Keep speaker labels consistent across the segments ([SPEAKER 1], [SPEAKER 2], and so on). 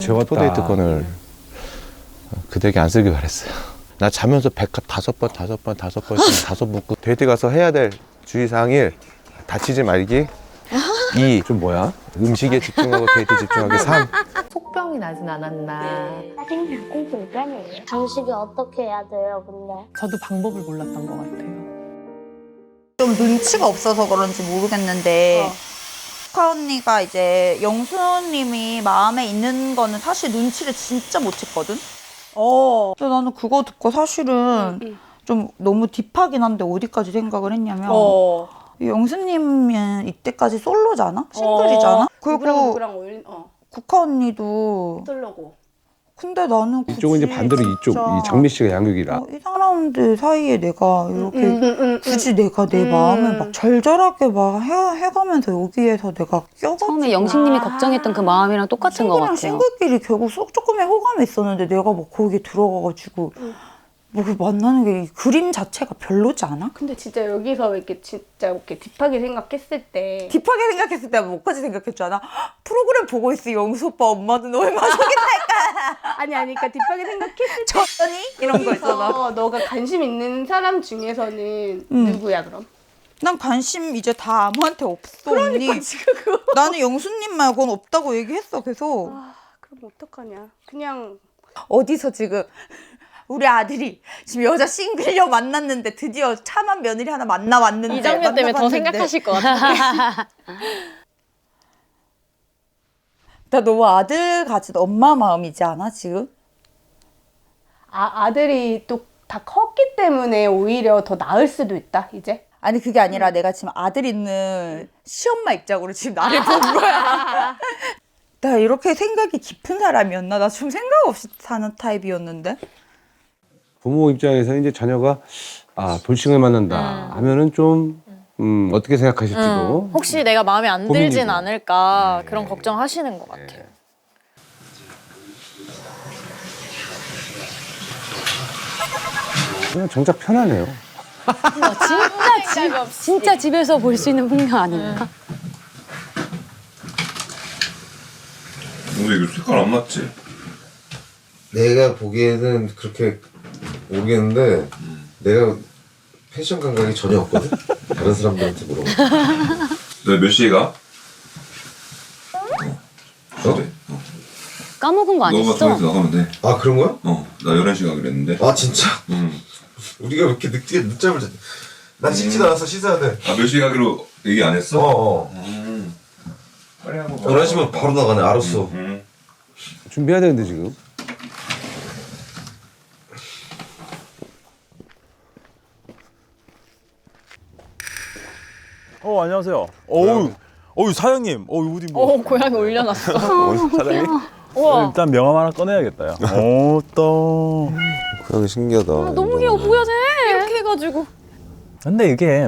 [SPEAKER 1] 적었다.
[SPEAKER 2] 포데이트권을 그대에게 안 쓰길 바랬어요. 나 자면서 백합 5번 다섯 묶고 데이트 가서 해야 될 주의사항 1. 다치지 말기. 2.
[SPEAKER 1] 좀 뭐야?
[SPEAKER 2] 음식에 집중하고 데이트 집중하기. 3.
[SPEAKER 3] 속병이 나진 않았나.
[SPEAKER 4] 짜증나고 불편해요. 장식이 어떻게 해야 돼요, 근데?
[SPEAKER 3] 저도 방법을 몰랐던 것 같아요.
[SPEAKER 5] 좀 눈치가 없어서 그런지 모르겠는데 스카 언니가 이제 영수님이 마음에 있는 거는 사실 눈치를 진짜 못 챘거든? 근데 나는 그거 듣고 사실은 좀 너무 딥하긴 한데 어디까지 생각을 했냐면 영수님은 이때까지 솔로잖아? 싱글이잖아? 그리고
[SPEAKER 6] 누구랑
[SPEAKER 5] 국화 언니도
[SPEAKER 6] 쓰려고.
[SPEAKER 5] 근데 나는 굳이
[SPEAKER 1] 이쪽은 이제 반대로 이쪽
[SPEAKER 5] 진짜
[SPEAKER 1] 이 장미 씨가 양육이라.
[SPEAKER 5] 이 사람들 사이에 내가 이렇게 굳이 내가 내 마음을 막 절절하게 막 해가면서 여기에서 내가 껴가지고
[SPEAKER 7] 처음에 영식님이 걱정했던 그 마음이랑 똑같은 것 같아요.
[SPEAKER 5] 싱글끼리 결국 조금의 호감이 있었는데 내가 뭐 거기에 들어가가지고 뭐 만나는 게 이 그림 자체가 별로지 않아?
[SPEAKER 6] 근데 진짜 여기서 이렇게 진짜 이렇게 딥하게 생각했을 때
[SPEAKER 5] 딥하게 생각했을 때 뭐까지 생각했잖아. 프로그램 보고 있어 영수 오빠 엄마는 얼마나 속인달까.
[SPEAKER 6] 아니 그러니까 딥하게 생각했을 때
[SPEAKER 5] 저니 이런 거 있잖아.
[SPEAKER 6] 너가 관심 있는 사람 중에서는 누구야 그럼?
[SPEAKER 5] 난 관심 이제 다 아무한테 없어. 언니.
[SPEAKER 6] 지금 그거.
[SPEAKER 5] 나는 영수님 말고는 없다고 얘기했어 계속.
[SPEAKER 6] 그럼 어떡하냐? 그냥
[SPEAKER 5] 어디서 지금 우리 아들이 지금 여자 싱글녀 만났는데 드디어 참한 며느리 하나 만나왔는데
[SPEAKER 7] 이 장면 때문에 더 생각하실 것 같아요.
[SPEAKER 5] 나 너무 아들 가진 엄마 마음이지 않아 지금?
[SPEAKER 6] 아들이 또 다 컸기 때문에 오히려 더 나을 수도 있다 이제.
[SPEAKER 5] 아니 그게 아니라 내가 지금 아들 있는 시엄마 입장으로 지금 나를 본 거야. 나 이렇게 생각이 깊은 사람이었나? 나 좀 생각 없이 사는 타입이었는데.
[SPEAKER 1] 부모 입장에서 이제 자녀가 돌싱을 만난다 하면은 좀 어떻게 생각하실지도.
[SPEAKER 7] 혹시 내가 마음에 안 들진
[SPEAKER 1] 고민이고.
[SPEAKER 7] 않을까 그런 걱정하시는 것 같아요.
[SPEAKER 1] 그냥 정작 편하네요.
[SPEAKER 7] 진짜 집에서 볼 수 있는 풍경 아닌가?
[SPEAKER 8] 근데 이거 색깔 안 맞지?
[SPEAKER 9] 내가 보기에는 그렇게 모르겠는데 내가 패션 감각이 전혀 없거든? 다른 사람들한테 물어봐.
[SPEAKER 8] 너 몇 시에 가?
[SPEAKER 9] 어?
[SPEAKER 7] 까먹은 거
[SPEAKER 8] 너가
[SPEAKER 7] 아니었어?
[SPEAKER 8] 통해서 나가면 돼.
[SPEAKER 9] 아 그런 거야?
[SPEAKER 8] 나 11시 가기로 했는데.
[SPEAKER 9] 아 진짜?
[SPEAKER 8] 응.
[SPEAKER 9] 우리가 왜 이렇게 늦잠을 자? 난 씻지도 않아서 씻어야 돼.
[SPEAKER 8] 몇 시에 가기로 얘기 안 했어?
[SPEAKER 9] 어어.
[SPEAKER 8] 빨리 한번
[SPEAKER 9] 11시면 바로 나가네. 알았어.
[SPEAKER 1] 준비해야 되는데 지금.
[SPEAKER 10] 안녕하세요. 어우 사장님. 어디 뭐.
[SPEAKER 7] 고양이 올려놨어.
[SPEAKER 8] 사장님?
[SPEAKER 10] 일단 명함 하나 꺼내야겠다. 또.
[SPEAKER 8] 고양이 신기하다.
[SPEAKER 7] 너무 귀여워 보여져. 이렇게 해가지고.
[SPEAKER 10] 근데 이게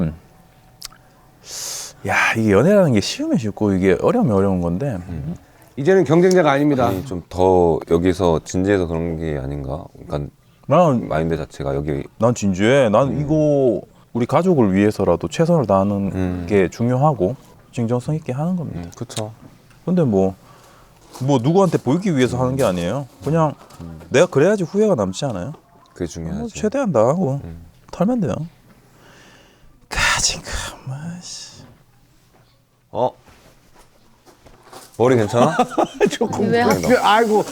[SPEAKER 10] 이게 연애라는 게 쉬우면 쉽고 이게 어려우면 어려운 건데.
[SPEAKER 1] 이제는 경쟁자가 아닙니다.
[SPEAKER 8] 아니 좀 더 여기서 진지해서 그런 게 아닌가? 그러니까
[SPEAKER 10] 난
[SPEAKER 8] 마인드 자체가 여기
[SPEAKER 10] 진지해. 난 이거 우리 가족을 위해서라도 최선을 다하는 게 중요하고 진정성 있게 하는 겁니다.
[SPEAKER 8] 그쵸.
[SPEAKER 10] 근데 뭐 누구한테 보이기 위해서 하는 게 아니에요. 그냥 내가 그래야지 후회가 남지 않아요.
[SPEAKER 8] 그게 중요하지.
[SPEAKER 10] 최대한 나하고 털면 돼요. 가진 가마시.
[SPEAKER 8] 머리 괜찮아?
[SPEAKER 1] 조금.
[SPEAKER 7] 왜
[SPEAKER 1] 아이고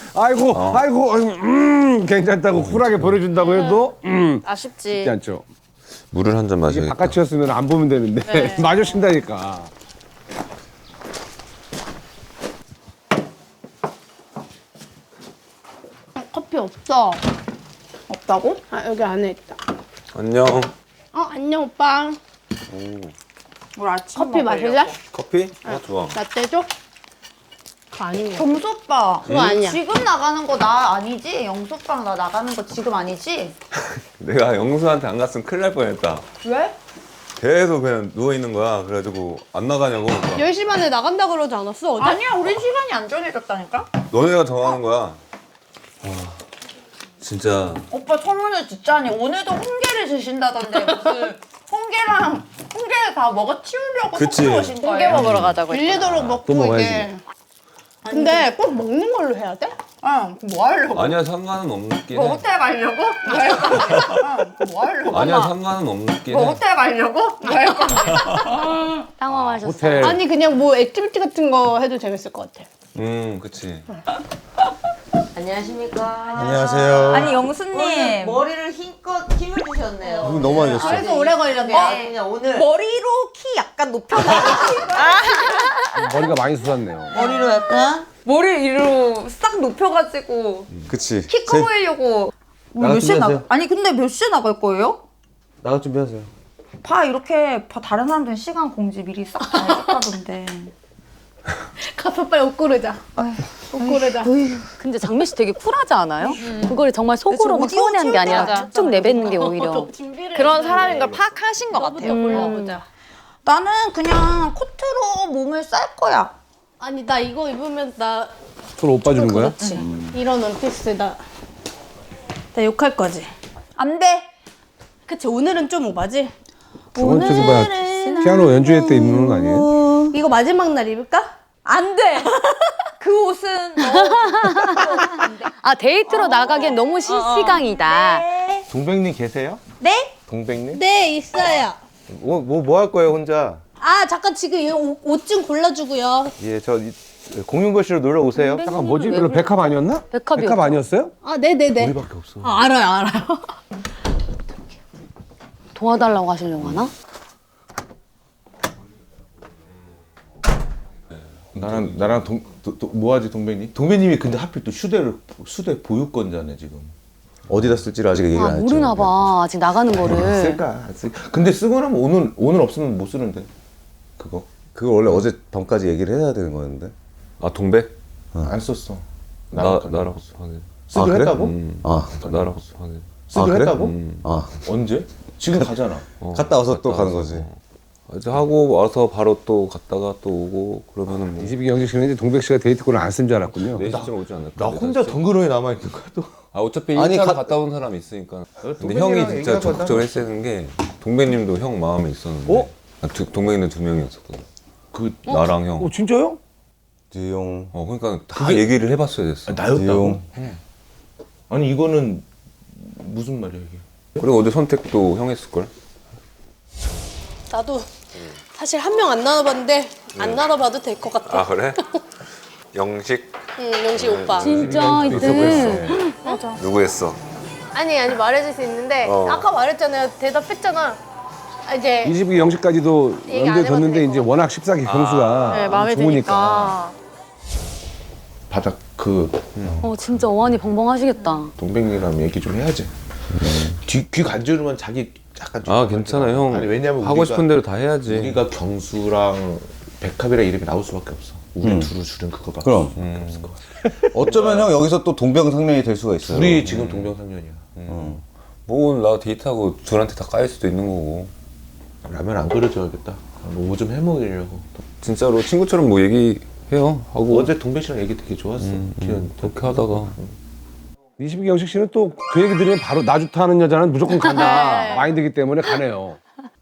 [SPEAKER 1] 괜찮다고 쿨하게 보내준다고 해도
[SPEAKER 7] 아쉽지.
[SPEAKER 1] 쉽지 않죠.
[SPEAKER 8] 물을 한 잔
[SPEAKER 1] 이게
[SPEAKER 8] 마셔야겠다.
[SPEAKER 1] 바깥이었으면 안 보면 되는데 마주친다니까.
[SPEAKER 6] 커피 없어.
[SPEAKER 5] 없다고?
[SPEAKER 6] 여기 안에 있다.
[SPEAKER 8] 안녕.
[SPEAKER 6] 안녕 오빠.
[SPEAKER 5] 우리 아침
[SPEAKER 6] 커피 마실래?
[SPEAKER 8] 커피? 좋아.
[SPEAKER 6] 라떼 줘? 그거 아닌 거.
[SPEAKER 5] 점수 오빠.
[SPEAKER 6] 그거 아니야.
[SPEAKER 5] 지금 나가는 거 나 아니지? 영수 오빠랑 나 나가는 거 지금 아니지?
[SPEAKER 8] 내가 영수한테 안 갔으면 큰일 날 뻔했다.
[SPEAKER 5] 왜?
[SPEAKER 8] 계속 그냥 누워있는 거야. 그래가지고 안 나가냐고.
[SPEAKER 6] 10시 반에 나간다 그러지 않았어 어제?
[SPEAKER 5] 아니야 우리 시간이 안 정해졌다니까?
[SPEAKER 8] 너네가 정하는 거야. 진짜
[SPEAKER 5] 오빠 소문을 듣자니 오늘도 홍게를 드신다던데 무슨 홍게를 다 먹어 치우려고
[SPEAKER 8] 그치.
[SPEAKER 5] 속초 오신 거예요?
[SPEAKER 7] 홍게 먹으러 가자고.
[SPEAKER 6] 빌리도록 먹고
[SPEAKER 1] 또 먹어야지.
[SPEAKER 6] 이게. 근데 꼭 먹는 걸로 해야 돼?
[SPEAKER 5] 뭐 하려고?
[SPEAKER 8] 아니야 상관은 없긴
[SPEAKER 5] 뭐
[SPEAKER 8] 해.
[SPEAKER 5] 호텔 가려고? 뭐 하려고?
[SPEAKER 8] 아니야 상관은 없긴
[SPEAKER 5] 뭐
[SPEAKER 8] 해.
[SPEAKER 5] 호텔 가려고? 뭐 할 건데?
[SPEAKER 7] 당황하셨어.
[SPEAKER 1] 호텔.
[SPEAKER 6] 아니 그냥 뭐 액티비티 같은 거 해도 재밌을 것 같아.
[SPEAKER 8] 그치.
[SPEAKER 11] 안녕하십니까.
[SPEAKER 9] 안녕하세요.
[SPEAKER 5] 아니 영수님
[SPEAKER 11] 머리를 힘껏 힘을 주셨네요.
[SPEAKER 9] 너무 많이 줬어요.
[SPEAKER 6] 그래서 오래 걸렸네.
[SPEAKER 11] 그냥 오늘
[SPEAKER 5] 머리로 키 약간 높여가지고
[SPEAKER 1] 머리가 많이 솟았네요.
[SPEAKER 11] 머리로 약간
[SPEAKER 5] 머리 위로 싹 높여가지고
[SPEAKER 9] 그치.
[SPEAKER 5] 키 커 보이려고
[SPEAKER 9] 나갈
[SPEAKER 5] 몇 시에
[SPEAKER 9] 준비하세요.
[SPEAKER 5] 아니 근데 몇 시에 나갈 거예요?
[SPEAKER 9] 나갈 준비하세요.
[SPEAKER 5] 이렇게 다른 사람들은 시간 공지 미리 싹 다 해줬다던데.
[SPEAKER 6] 가서 빨리 옷 고르자. 옷 고르자.
[SPEAKER 7] 근데 장미 씨 되게 쿨하지 않아요? 그걸 정말 속으로 막 서운해한 게 아니라 쭉 내뱉는 게 오히려.
[SPEAKER 3] 그런 사람인 걸 파악하신 것 같아요.
[SPEAKER 6] 골라보자.
[SPEAKER 5] 나는 그냥 코트로 몸을 쌀 거야.
[SPEAKER 6] 아니 나 이거 입으면 나
[SPEAKER 1] 서로 오빠 주는 거야?
[SPEAKER 6] 그렇지. 이런 원피스 나 욕할 거지.
[SPEAKER 5] 안 돼.
[SPEAKER 6] 그치 오늘은 좀 오바지?
[SPEAKER 1] 저번 저기 봐 피아노 연주회 때 입는 거 아니에요?
[SPEAKER 6] 이거 마지막 날 입을까?
[SPEAKER 5] 안 돼. 그 옷은
[SPEAKER 7] 아 데이트로 나가기엔 너무 시시강이다.
[SPEAKER 2] 동백님 계세요?
[SPEAKER 5] 네?
[SPEAKER 2] 동백님?
[SPEAKER 6] 네 있어요.
[SPEAKER 2] 뭐 할 거예요 혼자?
[SPEAKER 6] 아 잠깐 지금 옷 좀 골라주고요.
[SPEAKER 2] 예, 저 공윤거실로 놀러 오세요.
[SPEAKER 1] 잠깐 뭐지? 별로 백합 아니었나?
[SPEAKER 7] 백합이었죠.
[SPEAKER 1] 백합 아니었어요?
[SPEAKER 6] 아 네네네.
[SPEAKER 2] 우리밖에 없어.
[SPEAKER 6] 아, 알아요.
[SPEAKER 7] 도와달라고 하시려고 하나?
[SPEAKER 2] 나랑 뭐하지 동백님? 동백님이 근데 하필 또 수대 보유권자네 지금.
[SPEAKER 9] 어디다 쓸지를 아직 얘기 안 했죠.
[SPEAKER 7] 모르나 봐. 아직 나가는 거를.
[SPEAKER 2] 쓸까? 안 쓸까? 근데 쓰고 나면 오늘 없으면 못 쓰는데 그거
[SPEAKER 9] 그거 원래 어제 밤까지 얘기를 해야 되는 거였는데.
[SPEAKER 8] 아 동백?
[SPEAKER 2] 안 썼어.
[SPEAKER 8] 나랑 확인.
[SPEAKER 2] 쓰기로
[SPEAKER 9] 그래?
[SPEAKER 2] 했다고?
[SPEAKER 8] 나랑 확인.
[SPEAKER 2] 쓰기로
[SPEAKER 9] 그래?
[SPEAKER 2] 했다고? 언제? 지금 가잖아.
[SPEAKER 9] 갔다 와서 또 가는 거지.
[SPEAKER 8] 이제 하고 와서 바로 또 갔다가 또 오고 그러면은 뭐
[SPEAKER 1] 22경식 씨는 이제 동백 씨가 데이트권을 안 쓴 줄 알았군요.
[SPEAKER 8] 4시쯤 오지 않을까?
[SPEAKER 2] 나 혼자 덩그러니 남아 있는 거야 또.
[SPEAKER 8] 아 어차피
[SPEAKER 9] 아니,
[SPEAKER 8] 1차로
[SPEAKER 9] 가-
[SPEAKER 8] 갔다 온 사람이 있으니까. 근데
[SPEAKER 2] 동백이랑
[SPEAKER 8] 형이 진짜
[SPEAKER 2] 얘기하고
[SPEAKER 8] 적극적으로 했는 게 동백님도 형 마음에 있었는데.
[SPEAKER 2] 어?
[SPEAKER 8] 동백이는 2명이었었거든.
[SPEAKER 2] 그
[SPEAKER 8] 나랑 형.
[SPEAKER 1] 진짜요?
[SPEAKER 9] 디용.
[SPEAKER 8] 그러니까 다 얘기를 해봤어야 됐어.
[SPEAKER 2] 나였다고?
[SPEAKER 9] 디용.
[SPEAKER 2] 아니 이거는 무슨 말이야 이게?
[SPEAKER 8] 그리고 어제 선택도 형 했을걸?
[SPEAKER 6] 나도 사실 한 명 안 나눠봤는데 안 나눠봐도 될 것 같아.
[SPEAKER 8] 아 그래? 영식?
[SPEAKER 6] 응, 영식 오빠.
[SPEAKER 7] 진짜 이때.
[SPEAKER 8] 누구 했어?
[SPEAKER 6] 아니 말해줄 수 있는데 아까 말했잖아요. 대답했잖아. 아, 이제
[SPEAKER 1] 22경식까지도
[SPEAKER 6] 얘기 안
[SPEAKER 1] 연대
[SPEAKER 6] 해봐도
[SPEAKER 1] 뒀는데
[SPEAKER 6] 되고.
[SPEAKER 1] 이제 워낙 14기 경수가
[SPEAKER 3] 네, 마음에
[SPEAKER 1] 좋으니까.
[SPEAKER 3] 드니까.
[SPEAKER 2] 바닥 그
[SPEAKER 7] 진짜 어안이 벙벙하시겠다.
[SPEAKER 2] 동백이랑 얘기 좀 해야지. 귀 간지르면 자기 약간 좀
[SPEAKER 8] 아 괜찮아 형.
[SPEAKER 2] 아니 왜냐면
[SPEAKER 8] 하고
[SPEAKER 2] 우리가-
[SPEAKER 8] 싶은 대로 다 해야지.
[SPEAKER 2] 우리가 경수랑 백합이랑 이름이 나올 수밖에 없어. 우리 둘을 줄은 그거밖에
[SPEAKER 9] 그럼.
[SPEAKER 2] 없을 것 같아.
[SPEAKER 9] 어쩌면 형 여기서 또 동병상련이 될 수가 있어요.
[SPEAKER 2] 둘이 지금 동병상련이야.
[SPEAKER 8] 뭐 나 데이트하고 둘한테 다 까일 수도 있는 거고.
[SPEAKER 2] 라면 안 끓여줘야겠다. 뭐 좀 해먹으려고.
[SPEAKER 8] 진짜로 친구처럼 뭐 얘기해요. 하고
[SPEAKER 2] 어제 동백 씨랑 얘기 되게 좋았어. 기현.
[SPEAKER 8] 그렇게 하다가
[SPEAKER 1] 22경식 씨는 또 그 얘기 들으면 바로 나 좋다 하는 여자는 무조건 간다 마인드기 때문에 가네요.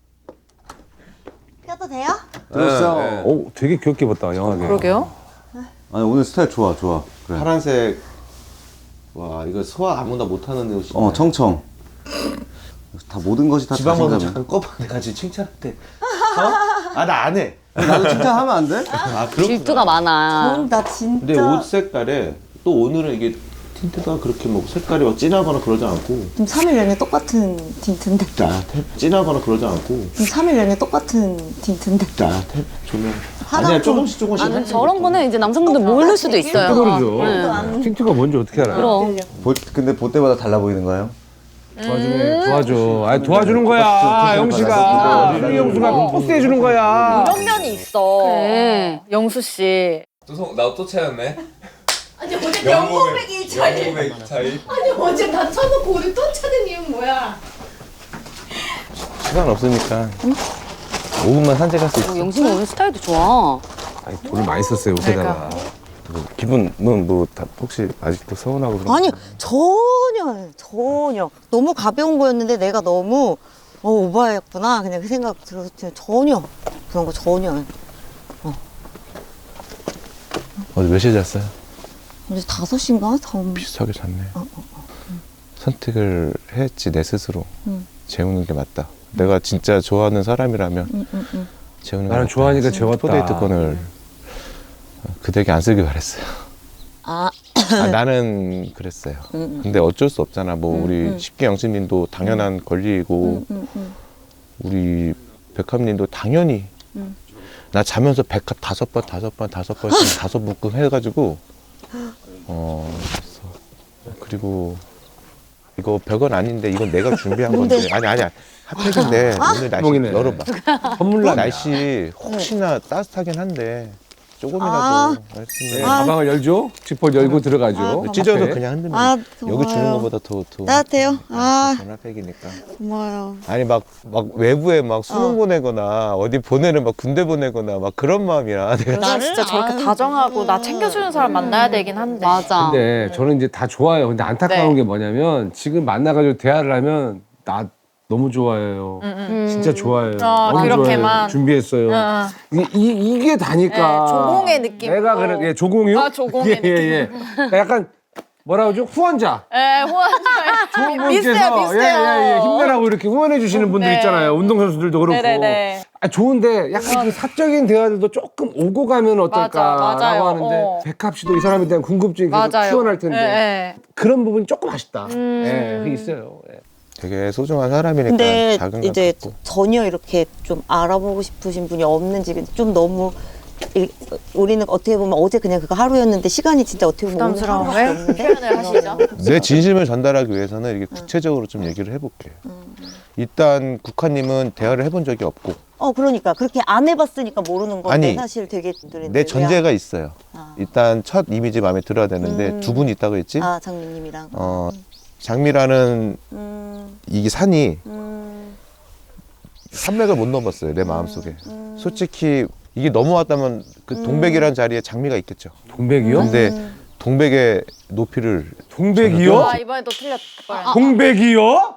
[SPEAKER 5] 껴도 돼요?
[SPEAKER 9] 들었어.
[SPEAKER 8] 네.
[SPEAKER 1] 오, 되게 귀엽게 입었다 영하게.
[SPEAKER 3] 그러게요.
[SPEAKER 9] 아니 오늘 스타일 좋아. 그래.
[SPEAKER 2] 파란색. 와 이거 소화 아무나 못하는 옷이네.
[SPEAKER 9] 청청. 다 모든 것이 다
[SPEAKER 2] 지방만
[SPEAKER 9] 자신감이야.
[SPEAKER 2] 잠깐 꺼봐. 내가 지금 칭찬할게. 아 나 안 해.
[SPEAKER 9] 나도 칭찬하면 안 돼?
[SPEAKER 2] 아 그렇구나.
[SPEAKER 7] 질투가 많아.
[SPEAKER 5] 나 진짜.
[SPEAKER 2] 근데 옷 색깔에 또 오늘은 이게 틴트가 그렇게 뭐 색깔이 막 진하거나 그러지 않고
[SPEAKER 5] 좀 3일 내내 똑같은 틴트인데.
[SPEAKER 2] 진하거나 그러지 않고
[SPEAKER 5] 좀 3일 내내 똑같은 틴트인데.
[SPEAKER 2] 조명 아니야 조금씩
[SPEAKER 7] 나는 저런 거는 이제 남성분들 모를 수도 있어요.
[SPEAKER 1] 모르죠. 틴트가 뭔지 어떻게 알아요?
[SPEAKER 7] 그럼.
[SPEAKER 9] 근데 볼 때마다 달라 보이는 거예요?
[SPEAKER 1] 도와줘. 아니 도와주는 거야 영씨가. 우리 영수가 포스해 주는 거야.
[SPEAKER 3] 이런 면이 있어.
[SPEAKER 7] 그래.
[SPEAKER 3] 영수 씨.
[SPEAKER 8] 나또 차였네.
[SPEAKER 6] 아니 어제 영고백 1차이.
[SPEAKER 8] 영국의 차이.
[SPEAKER 6] 아니 어제 다 쳐놓고 오늘 또 찾은 이유는 뭐야?
[SPEAKER 2] 시간 없으니까 5분만 산책할 수 있어.
[SPEAKER 7] 영신이 오늘 스타일도 좋아.
[SPEAKER 1] 아니, 돈을 많이 썼어요 옷에다가.
[SPEAKER 2] 기분은 뭐 다 혹시 아직도 서운하고 그런
[SPEAKER 5] 아니 전혀 너무 가벼운 거였는데 내가 너무 오버했구나 그냥 그 생각 들어서 전혀 그런 거 전혀.
[SPEAKER 2] 어제 몇 시에 잤어요?
[SPEAKER 12] 어제 5시인가?
[SPEAKER 2] 비슷하게 잤네. 선택을 했지 내 스스로. 재우는 게 맞다. 내가 진짜 좋아하는 사람이라면 재우는 게
[SPEAKER 1] 나는
[SPEAKER 2] 맞다.
[SPEAKER 1] 좋아하니까 재웠다.
[SPEAKER 2] 포데이트권을 그대에게 안 쓰길 바랬어요.
[SPEAKER 12] 아,
[SPEAKER 2] 나는 그랬어요. 근데 어쩔 수 없잖아. 뭐 우리 십기 영신님도 당연한 권리이고 우리 백합님도 당연히 나 자면서 백합 5번 묶음 해가지고 그랬어. 그리고 이거 별건 아닌데 이건 내가 준비한 건데 아니야 핫팩인데 오늘 날씨
[SPEAKER 1] 몽이네.
[SPEAKER 2] 열어봐.
[SPEAKER 1] 선물로
[SPEAKER 2] 날씨 혹시나 따뜻하긴 한데 조금이라도
[SPEAKER 1] 네, 가방을 열죠. 지퍼 열고 들어가죠.
[SPEAKER 2] 찢어도
[SPEAKER 1] 앞에.
[SPEAKER 2] 그냥 흔들면 여기 주는 것보다 더
[SPEAKER 12] 따뜻해요?
[SPEAKER 2] 핫팩이니까.
[SPEAKER 12] 고마워요.
[SPEAKER 2] 아니 막 외부에 막 수능 보내거나 어디 보내는 막 군대 보내거나 막 그런 마음이라 내가
[SPEAKER 3] 나 진짜 저렇게 다정하고 나 챙겨주는 사람 만나야 되긴 한데.
[SPEAKER 7] 맞아.
[SPEAKER 1] 근데 저는 이제 다 좋아요. 근데 안타까운 게 뭐냐면 지금 만나가지고 대화를 하면 나 너무 좋아해요. 진짜 좋아해요. 너무
[SPEAKER 3] 그렇게만.
[SPEAKER 1] 좋아해요. 준비했어요. 이게 다니까.
[SPEAKER 3] 네, 조공의 느낌.
[SPEAKER 1] 내가 그래, 예, 조공이요?
[SPEAKER 3] 아, 조공의 느낌.
[SPEAKER 1] 예. 그러니까 약간 뭐라 그러죠? 후원자.
[SPEAKER 3] 예,
[SPEAKER 1] 좋은
[SPEAKER 3] 비슷해요,
[SPEAKER 1] 분께서
[SPEAKER 3] 비슷해요.
[SPEAKER 1] 힘내라고 이렇게 후원해 주시는 분들
[SPEAKER 3] 네.
[SPEAKER 1] 있잖아요. 운동선수들도 그렇고.
[SPEAKER 3] 네네네.
[SPEAKER 1] 좋은데 약간 그 사적인 대화들도 조금 오고 가면 어떨까라고
[SPEAKER 3] 맞아요.
[SPEAKER 1] 하는데 백합 씨도 이 사람에 대한 궁금증이 계속
[SPEAKER 3] 맞아요.
[SPEAKER 1] 피어날 텐데
[SPEAKER 3] 예.
[SPEAKER 1] 그런 부분이 조금 아쉽다. 예, 그게 있어요. 예.
[SPEAKER 2] 되게 소중한 사람이니까
[SPEAKER 12] 근데
[SPEAKER 2] 작은
[SPEAKER 12] 이제
[SPEAKER 2] 것 같고.
[SPEAKER 12] 전혀 이렇게 좀 알아보고 싶으신 분이 없는지 좀 너무 우리는 어떻게 보면 어제 그냥 그거 하루였는데 시간이 진짜 어떻게 보면 오늘 하루밖에
[SPEAKER 3] 부담스러워요?
[SPEAKER 12] 없는데
[SPEAKER 3] 표현을 하시죠.
[SPEAKER 2] 내 진심을 전달하기 위해서는 이렇게 구체적으로 좀 얘기를 해볼게요. 일단 국화님은 대화를 해본 적이 없고
[SPEAKER 12] 그러니까 그렇게 안 해봤으니까 모르는 건데
[SPEAKER 2] 아니,
[SPEAKER 12] 사실 되게
[SPEAKER 2] 내 전제가 있어요. 일단 첫 이미지 마음에 들어야 되는데 두 분 있다고 했지?
[SPEAKER 12] 장미님이랑
[SPEAKER 2] 장미라는 이 산이 산맥을 못 넘었어요 내 마음속에. 솔직히 이게 넘어왔다면 그 동백이라는 자리에 장미가 있겠죠.
[SPEAKER 1] 동백이요?
[SPEAKER 2] 근데 동백의 높이를
[SPEAKER 1] 동백이요?
[SPEAKER 3] 아, 이번에 또 틀렸어요.
[SPEAKER 1] 동백이요?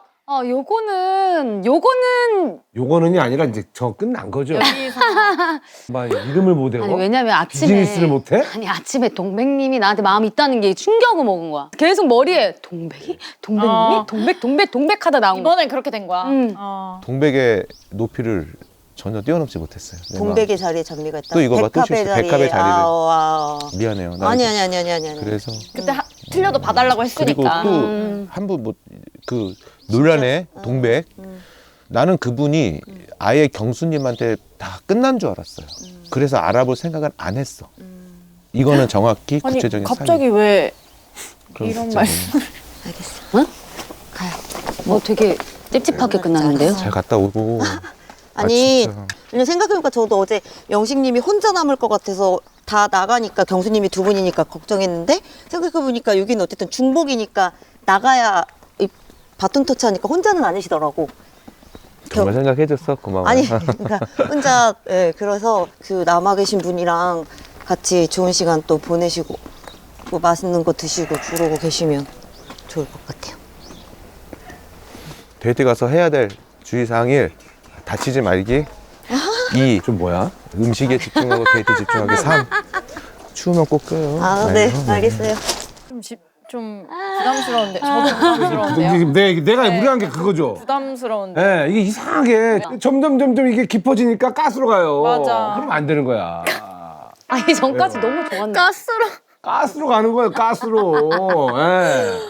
[SPEAKER 7] 요거는
[SPEAKER 1] 이 아니라 이제 저 끝난 거죠.
[SPEAKER 3] 여기서
[SPEAKER 1] 막 이름을 못 외워?
[SPEAKER 7] 아니 왜냐면 아침에
[SPEAKER 1] 비즈니스를 못 해?
[SPEAKER 7] 아니 아침에 동백님이 나한테 마음이 있다는 게 충격을 먹은 거야. 계속 머리에 동백이? 동백님이? 동백 하다 나온 거야.
[SPEAKER 3] 이번엔 그렇게 된 거야.
[SPEAKER 2] 동백의 높이를 전혀 뛰어넘지 못했어요. 내
[SPEAKER 12] 동백의 자리에 장미가 있다.
[SPEAKER 2] 또 이거 봐, 또 실수. 백합의 자리를. 미안해요. 나
[SPEAKER 12] 아니.
[SPEAKER 2] 그래서
[SPEAKER 3] 그때 틀려도 봐달라고
[SPEAKER 2] 그리고
[SPEAKER 3] 했으니까.
[SPEAKER 2] 또 한 분 뭐 그 논란의 동백. 나는 그분이 아예 경수님한테 다 끝난 줄 알았어요. 그래서 알아볼 생각은 안 했어. 이거는 정확히
[SPEAKER 3] 아니
[SPEAKER 2] 구체적인
[SPEAKER 3] 갑자기
[SPEAKER 2] 사유.
[SPEAKER 3] 왜
[SPEAKER 2] 그럼
[SPEAKER 3] 이런
[SPEAKER 2] 진짜
[SPEAKER 3] 말씀?
[SPEAKER 12] 알겠어.
[SPEAKER 7] 뭐 되게 찝찝하게 끝나는데요?
[SPEAKER 2] 잘 갔다 오고.
[SPEAKER 12] 아니
[SPEAKER 2] 진짜.
[SPEAKER 12] 그냥 생각해보니까 저도 어제 영식님이 혼자 남을 것 같아서 다 나가니까 경수님이 두 분이니까 걱정했는데 생각해보니까 여기는 어쨌든 중복이니까 나가야 이 바톤 터치하니까 혼자는 아니시더라고.
[SPEAKER 2] 정말 생각해줬어. 고마워.
[SPEAKER 12] 아니 그러니까 혼자 그래서 그 남아 계신 분이랑 같이 좋은 시간 또 보내시고 뭐 맛있는 거 드시고 그러고 계시면 좋을 것 같아요.
[SPEAKER 2] 데이트 가서 해야 될 주의사항 1. 다치지 말기. 2.
[SPEAKER 1] 좀 뭐야?
[SPEAKER 2] 음식에 집중하고 데이트 집중하기. 3. 추우면 꼭 껴요.
[SPEAKER 12] 네, 알겠어요.
[SPEAKER 3] 좀 부담스러운데 저도 부담스러운데요.
[SPEAKER 1] 내가 무리한 게 그거죠.
[SPEAKER 3] 부담스러운데.
[SPEAKER 1] 예, 이게 이상하게 점점 이게 깊어지니까 가스로 가요.
[SPEAKER 3] 맞아.
[SPEAKER 1] 그러면 안 되는 거야.
[SPEAKER 7] 아니 전까지 너무 좋았는데.
[SPEAKER 1] 가스로 가는 거예요, 가스로. 예.